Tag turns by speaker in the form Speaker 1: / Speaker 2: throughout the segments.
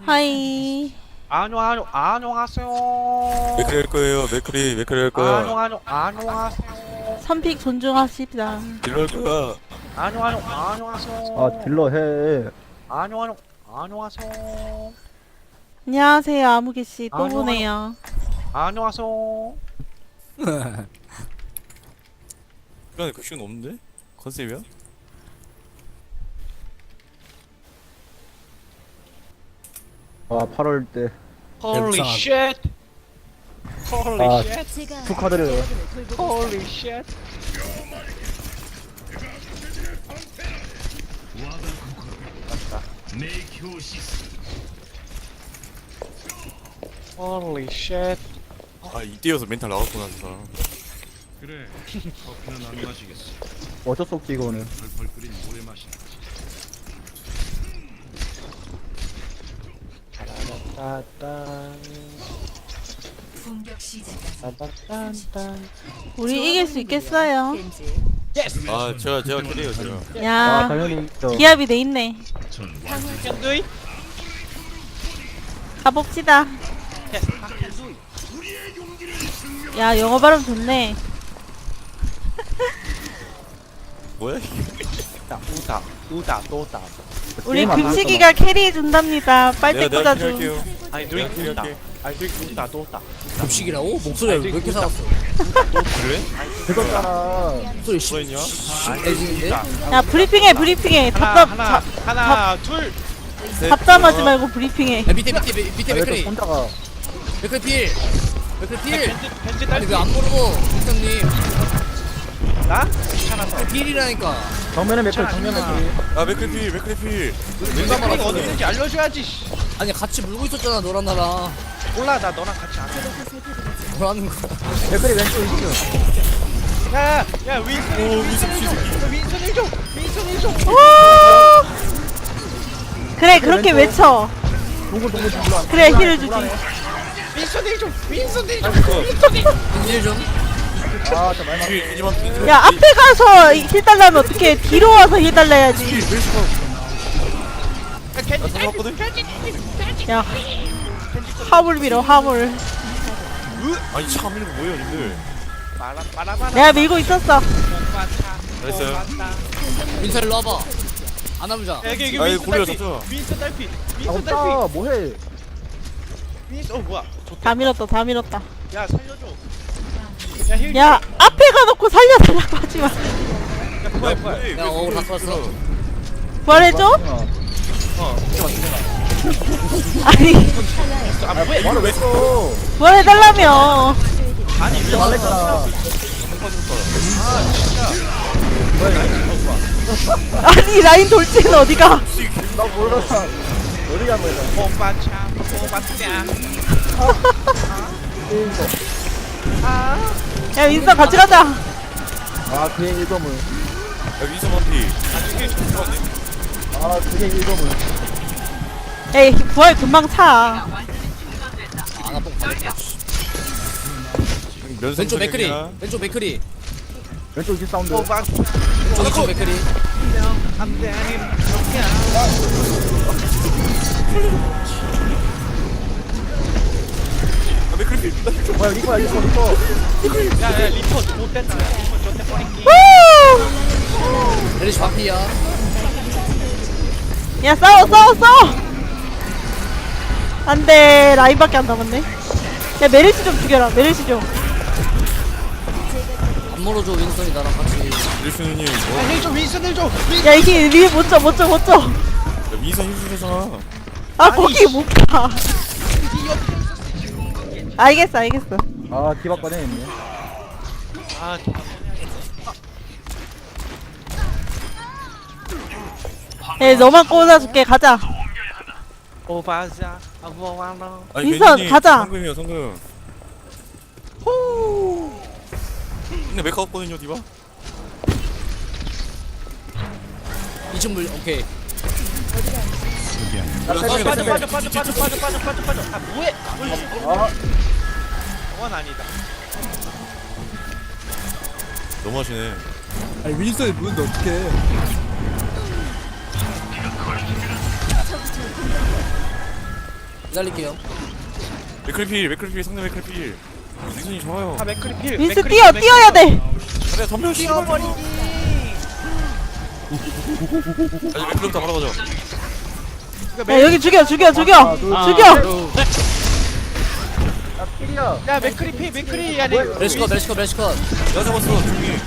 Speaker 1: 하이.
Speaker 2: 안녕하세요.
Speaker 3: 맥크리 할 거예요. 맥크리 할 거야.
Speaker 2: 안녕하세요.
Speaker 1: 선픽 존중합시다.
Speaker 3: 딜러 할 거야.
Speaker 2: 안녕하세요.
Speaker 4: 아 딜러 해.
Speaker 2: 안녕하세요.
Speaker 1: 안녕하세요, 아무개씨. 또
Speaker 2: 안녕.
Speaker 1: 보네요.
Speaker 2: 안녕하세요.
Speaker 3: 시간에 그 시간 없는데? 컨셉이야?
Speaker 4: 아 8월 때
Speaker 2: Holy shit. Holy
Speaker 4: 아.
Speaker 2: shit.
Speaker 4: 축하드려요.
Speaker 2: Holy shit. Holy shit.
Speaker 3: 아 이때여서 멘탈 나갔구나 진짜.
Speaker 5: 그래, 커피는 안 마시겠어.
Speaker 4: 어쩔 수 없지 이거는.
Speaker 5: 펄펄 끓인 물에 마시는 거지.
Speaker 2: 따단.
Speaker 6: 공격 시작까지
Speaker 2: 따단.
Speaker 1: 우리 이길 수 있겠어요.
Speaker 2: Yes.
Speaker 3: 아 제가 캐리해요 제가.
Speaker 4: 아
Speaker 1: 야,
Speaker 4: 당연히 저
Speaker 1: 기합이 돼 있네.
Speaker 5: 전
Speaker 2: Can do it.
Speaker 1: 가봅시다. 야, 영어 발음 좋네.
Speaker 3: 뭐야 이게?
Speaker 2: 우다 또다.
Speaker 1: 우리
Speaker 4: 게임 안
Speaker 1: 금식이가 캐리해 준답니다. 빨대
Speaker 3: 내가
Speaker 1: 꽂아줘.
Speaker 3: 캐리할게요.
Speaker 2: 아니
Speaker 3: 내가
Speaker 2: 드링크 우다.
Speaker 3: 캐리할게.
Speaker 2: 아니 드링크 우다 또다.
Speaker 7: 급식이라고? 목소리가 왜 이렇게 살았어?
Speaker 3: 그래?
Speaker 4: 그거잖아.
Speaker 7: 목소리 씨,
Speaker 3: 뭐가 있냐?
Speaker 7: 애지인데?
Speaker 1: 야, 브리핑해.
Speaker 2: 하나 둘.
Speaker 1: 답답하지 말고 브리핑해.
Speaker 7: 야 밑에
Speaker 4: 아, 왜
Speaker 7: 맥크리
Speaker 4: 또 혼자가
Speaker 7: 맥크리 필! 맥크리 필!
Speaker 2: 벤지
Speaker 7: 아니
Speaker 2: 딸피.
Speaker 7: 왜 안 모르고 victor님
Speaker 2: 나? 귀찮아서.
Speaker 7: 필이라니까.
Speaker 4: 정면에 맥클 정면에 맥클.
Speaker 3: 아 맥크리 필.
Speaker 2: 맥크리가 어디 있는지 알려줘야지. 씨.
Speaker 7: 아니 같이 물고 있었잖아 너랑 나랑.
Speaker 2: 몰라 나 너랑 같이 안 해.
Speaker 7: 뭐라는 거야?
Speaker 4: 맥클이 왼쪽 있어.
Speaker 2: 야 윈슨 1줘. 윈슨 1줘.
Speaker 1: 그래, 그렇게 외쳐.
Speaker 4: 동굴
Speaker 1: 그래, 힐을 주지.
Speaker 2: 윈슨 1줘. 윈슨 1줘.
Speaker 7: 인질 좀.
Speaker 4: 아저 말만.
Speaker 3: 뒤에 이지만
Speaker 1: 야, 앞에 가서 힐 달라면 어떡해. 뒤로 와서 힐 달라야지.
Speaker 3: 나 잡았거든?
Speaker 1: 야, 화물 밀어, 화물.
Speaker 3: 아니 차 밀는 거 뭐예요 님들?
Speaker 1: 내가 밀고 있었어.
Speaker 3: 잘했어요.
Speaker 7: 민서 일로 와봐. 안아보자.
Speaker 2: 여기
Speaker 3: 아이,
Speaker 2: 윈슨
Speaker 3: 고리가
Speaker 2: 딸피.
Speaker 3: 졌죠?
Speaker 2: 윈슨 딸피.
Speaker 4: 아
Speaker 2: 윈슨 딸피.
Speaker 4: 없다 뭐해?
Speaker 2: 윈슨 뭐야?
Speaker 1: 다 밀었다.
Speaker 2: 야 살려줘. 야 힐.
Speaker 1: 야, 앞에 가놓고 살려달라고 하지 마.
Speaker 2: 야 부활.
Speaker 7: 야, 다 쏘았어.
Speaker 1: 부활해줘? 아니,
Speaker 2: 아 뭐야?
Speaker 4: 말을 왜 써?
Speaker 1: 부활해달라며.
Speaker 2: 아니
Speaker 4: 진짜 말랬잖아.
Speaker 1: 아니, 라인 돌진은 어디가?
Speaker 4: 나 몰라. 어디 간 거야?
Speaker 2: 오빠차.
Speaker 1: 야, 윈서 같이 가자.
Speaker 4: 아 그게 일거물.
Speaker 3: 야 위서 만피.
Speaker 4: 아 그게 일거물.
Speaker 1: 에이, 부활 금방 차.
Speaker 7: 아나뽕 받았다.
Speaker 3: 면상
Speaker 7: 왼쪽 맥크리.
Speaker 3: 선생이야.
Speaker 7: 왼쪽 맥크리.
Speaker 4: 왼쪽 뒷 사운드.
Speaker 7: 왼쪽 맥크리.
Speaker 3: 아 맥크리 필.
Speaker 4: 뭐야 리퍼야 리퍼.
Speaker 2: 야야 리퍼 못됐다. 리퍼 좋대 버릴게.
Speaker 7: 메리시 바피야.
Speaker 1: 야, 싸워. 안 돼, 라인밖에 안 남았네. 야, 메르시 좀 죽여라, 메르시 좀.
Speaker 7: 안 멀어줘 윈선이 나랑 같이.
Speaker 3: 릴스님 뭐?
Speaker 2: 힐줘 윈슨 1줘.
Speaker 1: 야, 이게 위에 못 져.
Speaker 3: 야 위서 힐주잖아.
Speaker 1: 아, 거기 못 가. 알겠어.
Speaker 4: 아 디바 꺼내있네.
Speaker 2: 아
Speaker 1: 야, 너만 꽂아줄게, 가자.
Speaker 2: 오바자 아무와나.
Speaker 3: 아니
Speaker 1: 윈선,
Speaker 3: 괜히
Speaker 1: 가자.
Speaker 3: 성금이야 성금. 근데 메카 없거든요 디바.
Speaker 7: 2층 물 오케이.
Speaker 2: 빠져. 아 뭐해?
Speaker 4: 아
Speaker 2: 그건 아니다.
Speaker 3: 너무하시네.
Speaker 8: 아니 윈스턴이 무는데 어떡해.
Speaker 7: 잘릴게요.
Speaker 3: 맥크리 상대 맥크리 윈선이 좋아요.
Speaker 2: 아 맥크리 필.
Speaker 1: 윈스
Speaker 2: 맥크리
Speaker 1: 뛰어
Speaker 2: 필,
Speaker 1: 뛰어야 돼.
Speaker 3: 그래 덤벼 씨발.
Speaker 2: 뛰어버리기.
Speaker 3: 아니 맥크리부터 바로 가자.
Speaker 1: 야 여기 죽여 죽여 죽여
Speaker 4: 하나, 둘,
Speaker 1: 죽여.
Speaker 4: 야 필이야.
Speaker 2: 야 맥크리 필 맥크리 야 내.
Speaker 7: 멜시컷 멜시컷 멜시컷.
Speaker 3: 내가 잡았어 조용히.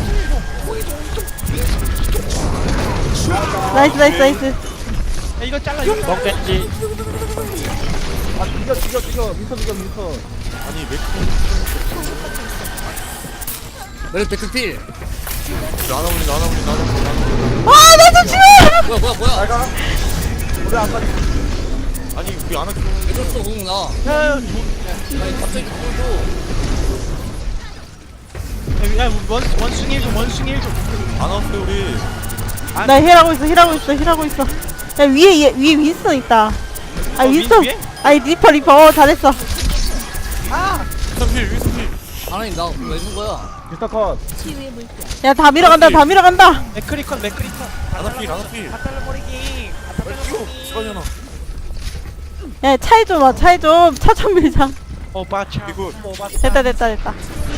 Speaker 1: 나이스 나이스 나이스.
Speaker 2: 야 이거 잘라 이거. 먹겠지.
Speaker 4: 아 죽여 민서 죽여 민서.
Speaker 3: 아니 맥크리
Speaker 7: 맥크필.
Speaker 3: 나나올리.
Speaker 1: 아나 좀 치워.
Speaker 7: 뭐야.
Speaker 4: 잘가. 우리 안 가지.
Speaker 3: 아니 우리 안 할게.
Speaker 7: 왜 공 나?
Speaker 2: 야
Speaker 7: 아니 갑자기 공도.
Speaker 2: 원숭이 좀 원숭이 좀.
Speaker 3: 안 왔어요 우리.
Speaker 1: 나 힐하고 있어. 야 위에 윈스턴 있다. 아 윈스턴.
Speaker 2: 위에?
Speaker 1: 아니 리퍼 잘했어.
Speaker 3: 윈선필.
Speaker 7: 하나님 나왜 준 거야?
Speaker 4: 민서 컷.
Speaker 1: 야 다 밀어간다.
Speaker 2: 맥크리 컷.
Speaker 3: 아나필.
Speaker 2: 다 잘라버리기.
Speaker 3: 시간이잖아.
Speaker 1: 야 차에 좀 와. 차 좀 밀자.
Speaker 2: 오바차.
Speaker 3: 이거
Speaker 1: 됐다.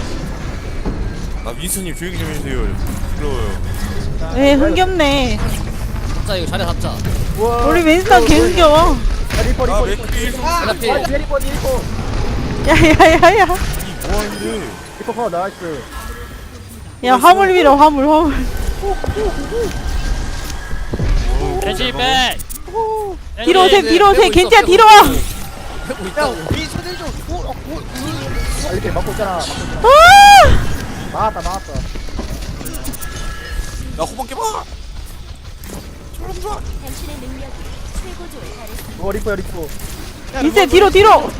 Speaker 3: 아 윈선님 조용히 좀 해주세요. 부러워요.
Speaker 1: 왜 흥겹네.
Speaker 7: 잡자 이거 자리 잡자.
Speaker 4: 우와.
Speaker 1: 우리 윈스턴 개 흥겨워.
Speaker 4: 야 리퍼
Speaker 3: 아
Speaker 4: 리퍼.
Speaker 3: 맥크리.
Speaker 4: 아
Speaker 7: 필.
Speaker 4: 뒤에 리퍼.
Speaker 1: 야야야야.
Speaker 3: 이 뭐하는데?
Speaker 4: 리퍼 컷 나이스.
Speaker 1: 야 화물 밀어 화물.
Speaker 2: 돼지백.
Speaker 1: 뒤로 오세요
Speaker 7: 빼고 있어,
Speaker 1: 겐지야
Speaker 7: 빼고
Speaker 1: 뒤로 와.
Speaker 7: 하고 있다고.
Speaker 2: 민소들 좀.
Speaker 4: 아 이렇게 막고 있잖아.
Speaker 1: 아!
Speaker 4: 막았다.
Speaker 3: 나 호박 깨봐.
Speaker 4: 리퍼야 리퍼.
Speaker 1: 윈스 뒤로.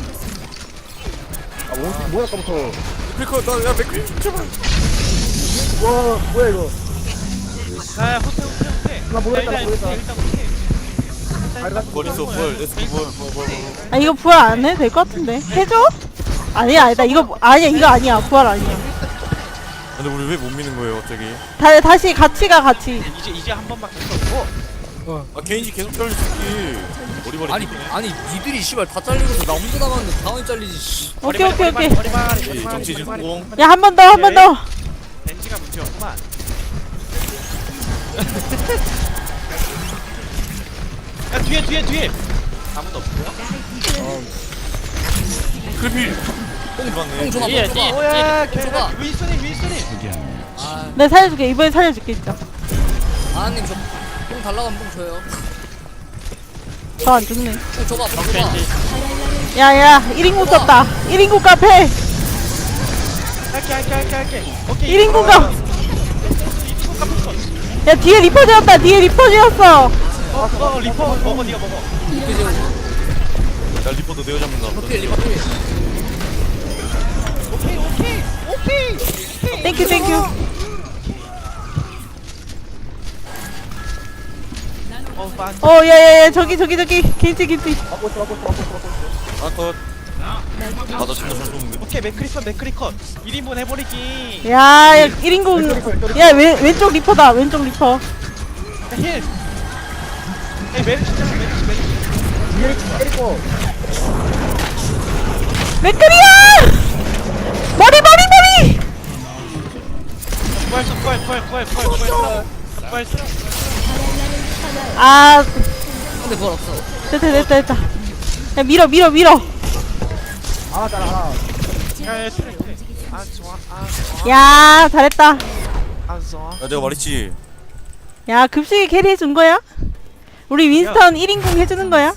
Speaker 4: 아 뭐야 아까부터.
Speaker 3: 맥크리 야 맥크리 제발.
Speaker 4: 와 뭐야 이거.
Speaker 2: 야 호텔.
Speaker 4: 나 모르겠다.
Speaker 2: 일단 호텔.
Speaker 3: 뭘 있어 뭘
Speaker 1: 아 이거 부활 안 해도 될 것 같은데. 해줘? 아니야 이거 아니야 부활 아니야.
Speaker 3: 근데 우리 왜 못 미는 거예요 갑자기?
Speaker 1: 다시 같이 가.
Speaker 2: 이제 한 번밖에 없고.
Speaker 3: 아 개인지 계속 잘릴 수 있지. 머리머리.
Speaker 7: 아니 니들이 씨발 다 잘리고서 나 혼자 남았는데 당연히 잘리지. 씨.
Speaker 1: 오케이.
Speaker 3: 정치 진공.
Speaker 1: 야 한 번 더.
Speaker 2: 벤지가 문제였구만. 야 뒤에. 아무도 없고요.
Speaker 3: 크리필.
Speaker 7: 뽕
Speaker 3: 맞네.
Speaker 7: 줘봐.
Speaker 2: 오야
Speaker 7: 줘봐.
Speaker 2: 윈스턴이.
Speaker 7: 아
Speaker 1: 내가 살려줄게. 이번엔 살려줄게 진짜.
Speaker 7: 하나님 저뽕 달라고 하면 뽕 줘요.
Speaker 1: 저 안 죽네.
Speaker 7: 뽕 줘봐. 뽕 줘봐.
Speaker 1: 야야 1인국 썼다. 1인국 카페.
Speaker 2: 할게. 오케이.
Speaker 1: 1인국 가. 야 뒤에 리퍼 지었다.
Speaker 2: 리퍼 먹어 네가 먹어.
Speaker 3: 나 리포도 내가 잡는다.
Speaker 7: 리퍼필.
Speaker 2: 오케이.
Speaker 1: 땡큐. 야야야 저기 겐지.
Speaker 4: 막고 있어.
Speaker 3: 아컷. 아나 진짜 잘 쏘는데.
Speaker 2: 오케이 맥크리 컷. 1인분 해버리기.
Speaker 1: 야 1인국. 야 왼쪽 리퍼다.
Speaker 2: 힐. 에이 메르시.
Speaker 4: 뒤에 리퍼.
Speaker 1: 맥크리야. 머리.
Speaker 2: 부활.
Speaker 1: 아
Speaker 7: 근데 그걸 없어.
Speaker 1: 됐다. 야 밀어.
Speaker 4: 하나 잘라 하나.
Speaker 2: 야 트랙. 아 좋아.
Speaker 1: 야 잘했다.
Speaker 2: 아 좋아.
Speaker 3: 야 내가 말했지.
Speaker 1: 야 급식에 캐리 해준 거야? 우리 윈스턴 1인공 해주는 거야?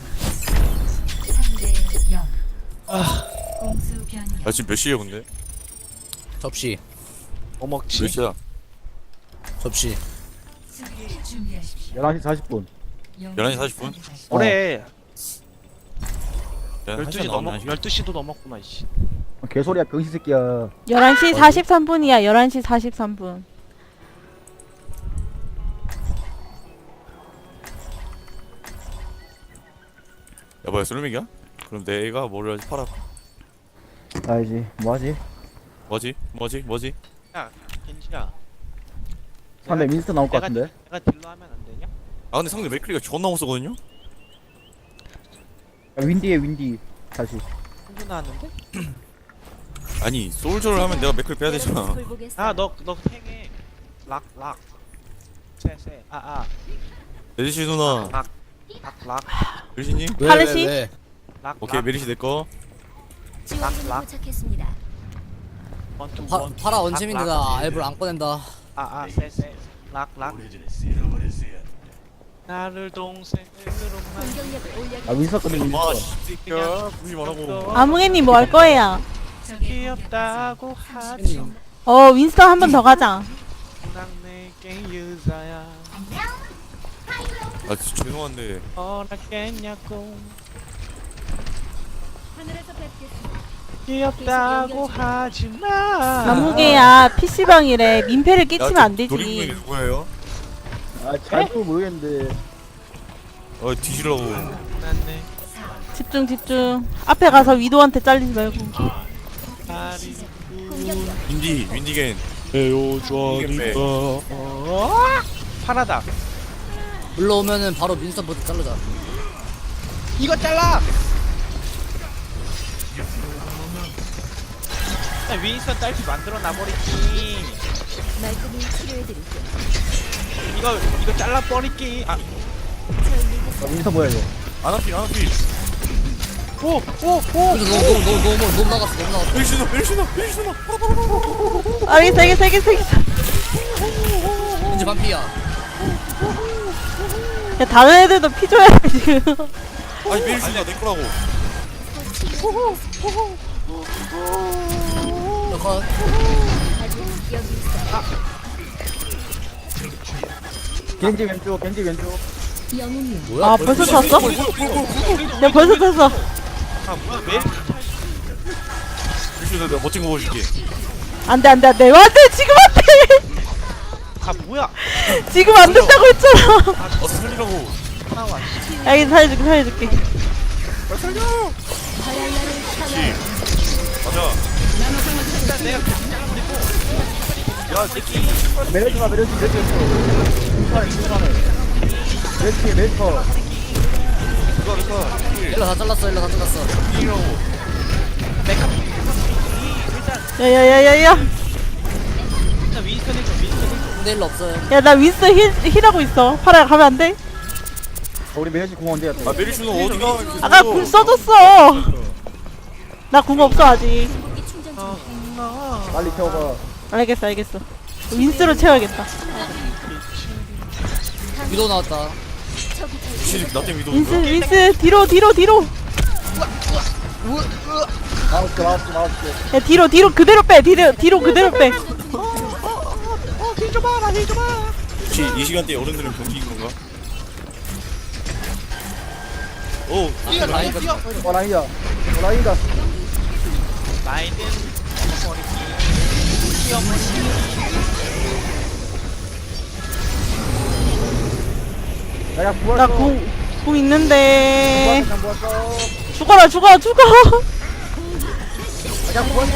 Speaker 6: 3대 0. 공수 변경.
Speaker 3: 야 지금 몇 시에요 근데?
Speaker 7: 접시.
Speaker 3: 몇
Speaker 2: 먹지.
Speaker 3: 시야?
Speaker 7: 접시.
Speaker 6: 수비를 준비하십시오.
Speaker 4: 11시 40분.
Speaker 3: 11시 40분?
Speaker 2: 올해
Speaker 3: 야,
Speaker 2: 12시 넘어 12시도 넘었구나 이씨.
Speaker 4: 개소리야 병신 새끼야.
Speaker 1: 11시 43분이야 11시 43분.
Speaker 3: 여보야 솔맥이야? 그럼 내가 뭐를 하지 팔아.
Speaker 4: 알지. 뭐하지?
Speaker 3: 뭐지?
Speaker 2: 야 겐지야.
Speaker 4: 상대 민스터 나올 것 같은데.
Speaker 2: 내가 딜러 하면 안 되냐?
Speaker 3: 아 근데 상대 맥크리가 존나 못 쏘거든요?
Speaker 4: 윈디에 윈디. 다시.
Speaker 2: 한분 나왔는데?
Speaker 3: 아니 솔저를 하면 내가 맥클 빼야 되잖아.
Speaker 2: 아너 탱해. 락. 세.
Speaker 3: 메리시 누나.
Speaker 2: 락.
Speaker 3: 메리시님?
Speaker 1: 하르시?
Speaker 2: 락.
Speaker 3: 오케이 메리시 내 거.
Speaker 6: 지원군이 도착했습니다.
Speaker 2: 원투
Speaker 7: 파라 원챔인데 나 알볼 안 꺼낸다.
Speaker 2: 세. 락. 나를 동생으로만.
Speaker 6: 공격력을 올려.
Speaker 4: 아 윈서 근데 윈서.
Speaker 3: 와 씨야 무시 말하고.
Speaker 1: 아무개님 뭐 할 거예요?
Speaker 2: 귀엽다고 하지.
Speaker 1: 윈스턴 한 번 더 가자.
Speaker 2: 난 내게 유사야.
Speaker 3: 아 진짜 죄송한데.
Speaker 2: 허락했냐고.
Speaker 6: 하늘에서 뵙겠습니다.
Speaker 2: 귀엽다고 하지마.
Speaker 1: 아무개야 PC방이래. 민폐를 끼치면 안
Speaker 3: 노린분이
Speaker 1: 되지.
Speaker 3: 누구예요?
Speaker 4: 아잘또 모르겠는데.
Speaker 3: 뒤지라고.
Speaker 2: 난내
Speaker 1: 집중. 앞에 가서 위도한테 잘리지 말고.
Speaker 2: 다리
Speaker 3: 윈디겐.
Speaker 2: 헤어져니까. 파라다.
Speaker 7: 물러오면은 바로 민스턴부터 자르자.
Speaker 2: 이거 잘라. 윈스턴 딸피 만들어 놔버리기.
Speaker 6: 말끔히 치료해드릴게요.
Speaker 2: 이거 잘라 버리기.
Speaker 4: 아 윈서 뭐야 이거?
Speaker 3: 아나피.
Speaker 2: 오.
Speaker 7: 너무 나갔어.
Speaker 3: 메리시 누나.
Speaker 1: 알겠어.
Speaker 7: 왠지 반피야.
Speaker 1: 야, 다른 애들도 피 줘야 돼, 지금.
Speaker 3: 아니 메리시 누나 내 거라고.
Speaker 7: 너가
Speaker 6: 아직 여기 있어.
Speaker 4: 겐지 왼쪽.
Speaker 6: 영웅이요.
Speaker 7: 뭐야?
Speaker 1: 아, 벌써 탔어? 야, 벌써 탔어.
Speaker 2: 아 뭐야 왜?
Speaker 3: 메리시 누나 내가 멋진 거 보여줄게.
Speaker 1: 안 돼. 안 돼. 지금 안 돼.
Speaker 2: 아 뭐야?
Speaker 1: 지금 안 된다고 했잖아.
Speaker 3: 어서 살리라고.
Speaker 2: 나와.
Speaker 1: 알겠어, 살려줄게.
Speaker 6: 바랄라를 향하여.
Speaker 3: 가자.
Speaker 2: 일단 내가
Speaker 4: 메르시가 메르시. 메르시.
Speaker 7: 일러 다 잘랐어.
Speaker 1: 야야야야야.
Speaker 2: 일단 윈스턴 해줘.
Speaker 7: 근데 일러 없어요.
Speaker 1: 야, 나 윈스 힐하고 있어. 파라 가면 안 돼?
Speaker 4: 우리 메르시 공원데
Speaker 3: 아 메리시 누나 어디가?
Speaker 1: 아까 궁 써줬어. 나 궁 없어 아직.
Speaker 6: 궁극기 충전 중.
Speaker 4: 빨리 태워봐.
Speaker 1: 알겠어. 윈스로 채워야겠다.
Speaker 7: 위도 나왔다.
Speaker 3: 혹시 나 때문에 위도
Speaker 1: 윈스 뒤로.
Speaker 4: 나왔어.
Speaker 1: 야, 뒤로 그대로 빼. 뒤로 그대로 빼.
Speaker 2: 힐 줘봐.
Speaker 3: 혹시 이 시간대에 어른들은 경기인 건가? 오
Speaker 2: 뛰어.
Speaker 4: 라인이다.
Speaker 2: 라인은 버리기.
Speaker 4: 야 구할
Speaker 1: 나 궁 있는데.
Speaker 4: 모았어.
Speaker 1: 죽어라.
Speaker 4: 야 구할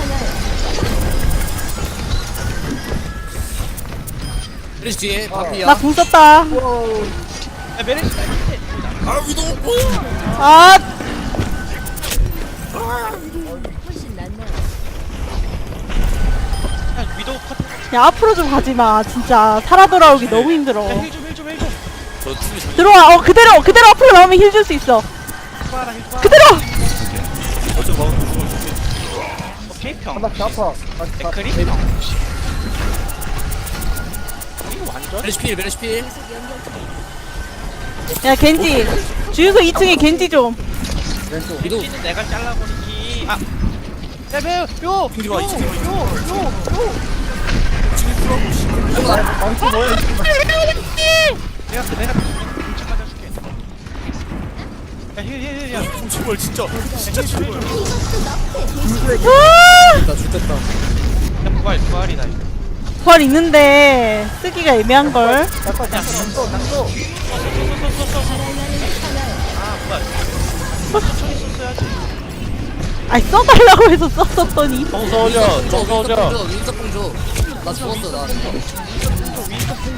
Speaker 7: 메리시 뒤에 반피야.
Speaker 1: 나 궁 썼다.
Speaker 2: 야 메르시.
Speaker 3: 아 위도
Speaker 1: 아,
Speaker 6: 훨씬 낫나요?
Speaker 2: 야 위도우 컷.
Speaker 1: 야, 앞으로 좀 가지 마. 진짜 살아 돌아오기 너무 힘들어.
Speaker 2: 힐 좀.
Speaker 3: 저 팀이 잘
Speaker 1: 들어와. 그대로 앞으로 나오면 힐 줄 수 있어.
Speaker 2: 힐 줘봐.
Speaker 1: 그대로.
Speaker 3: 어쩜 막은 거 죽을 수
Speaker 2: 오케이 평.
Speaker 4: 나 아파.
Speaker 2: 댓글이? 이거 완전?
Speaker 7: 메리시 필.
Speaker 1: 야, 겐지. 주유소 2층에 겐지 좀.
Speaker 4: 왼쪽.
Speaker 7: 위도.
Speaker 2: 는 내가 잘라버리기. 아. 야 매우 요.
Speaker 3: 와, 이 친구.
Speaker 4: 망치 뭐야?
Speaker 2: 내가 공차 맞아줄게. 야 힐.
Speaker 3: 제발 진짜 제발.
Speaker 1: 아!
Speaker 7: 죽겠다.
Speaker 2: 야 부활이다 이거.
Speaker 1: 부활 있는데 쓰기가 애매한걸.
Speaker 4: 낙서.
Speaker 2: 아 부활. 천천히 썼어야지.
Speaker 1: 아니, 써달라고 해서 썼었더니.
Speaker 7: 윈스턴 줘. 나 죽었어. 나.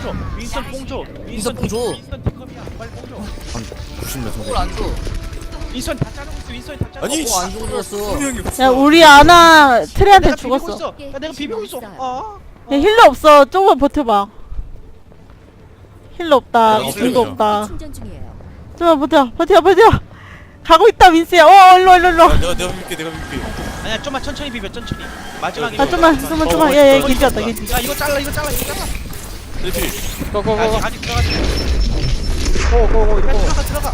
Speaker 2: 윈스턴 뽕줘.
Speaker 7: 윈스턴 뽕 줘.
Speaker 2: 윈스턴 티컵이야. 빨리 뽕줘.
Speaker 3: 90몇
Speaker 7: 뽕을 안 줘.
Speaker 2: 윈선 다 자르고 있어. 윈선 다 자르고.
Speaker 3: 아니,
Speaker 2: 있어.
Speaker 7: 안 죽어졌어.
Speaker 3: 분명히
Speaker 1: 야 우리 아나 트레한테
Speaker 2: 내가 비비고
Speaker 1: 죽었어.
Speaker 2: 있어. 야 내가 비비고 있어.
Speaker 1: 야 힐러 없어. 조금만 버텨봐. 힐러 없다.
Speaker 3: 야,
Speaker 1: 궁도 없다.
Speaker 6: 충전 중이에요.
Speaker 1: 좀만 버텨. 가고 있다 민스야. 일로.
Speaker 3: 내가 밀게 내가 밀게.
Speaker 2: 아니야 좀만 천천히 비벼 천천히. 마지막에.
Speaker 1: 아 좀만. 야 겐지 왔다 겐지.
Speaker 2: 야 이거 잘라.
Speaker 3: 레디.
Speaker 2: 아직 들어가지.
Speaker 4: 고고고
Speaker 2: 야
Speaker 4: 이거
Speaker 2: 들어가.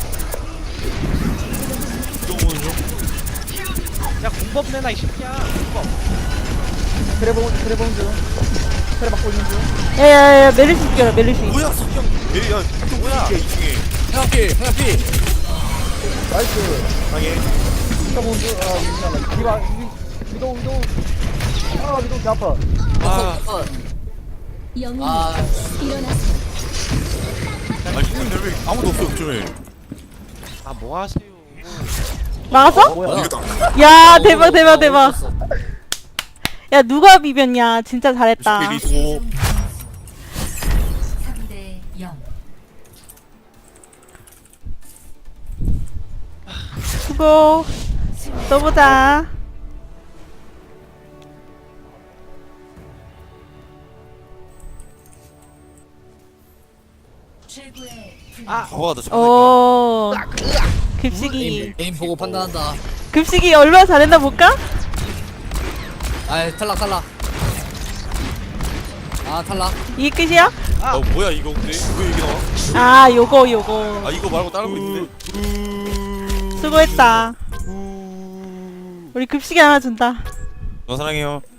Speaker 3: 이거 보는 중.
Speaker 2: 야 공법 내놔 이 새끼야. 공법.
Speaker 4: 그래 보는 중 그래 받고 있는 중
Speaker 1: 야야야 메르시 죽여라 메르시.
Speaker 3: 뭐야 석형. 야 이거 뭐야? 2층에.
Speaker 7: 하나피.
Speaker 4: 나이스
Speaker 3: 방해.
Speaker 4: 진짜 보는 중 디바 위도 위도 개 아파
Speaker 3: 아.
Speaker 6: 영웅님
Speaker 7: 아,
Speaker 6: 일어나세요.
Speaker 3: 아니 형님 왜 아무도 없어 요즘에.
Speaker 2: 아 뭐 하세요?
Speaker 1: 막았어?
Speaker 4: 뭐야
Speaker 3: 이거다.
Speaker 1: 야 대박. 야 누가 비볐냐. 진짜 잘했다.
Speaker 3: 리소.
Speaker 6: 3대 0.
Speaker 1: 수고. 또 보자.
Speaker 3: 와나 잘했다.
Speaker 1: 오. 급식이.
Speaker 7: 게임 보고 판단한다.
Speaker 1: 급식이 얼마나 잘했나 볼까?
Speaker 7: 아, 탈락. 아, 탈락.
Speaker 1: 이게 끝이야?
Speaker 3: 뭐야 이거 근데 왜 이게 나와?
Speaker 1: 아 요거.
Speaker 3: 아 이거 말고 다른 거 있는데?
Speaker 1: 수고했다. 우리 급식이 하나 준다.
Speaker 3: 너 사랑해요.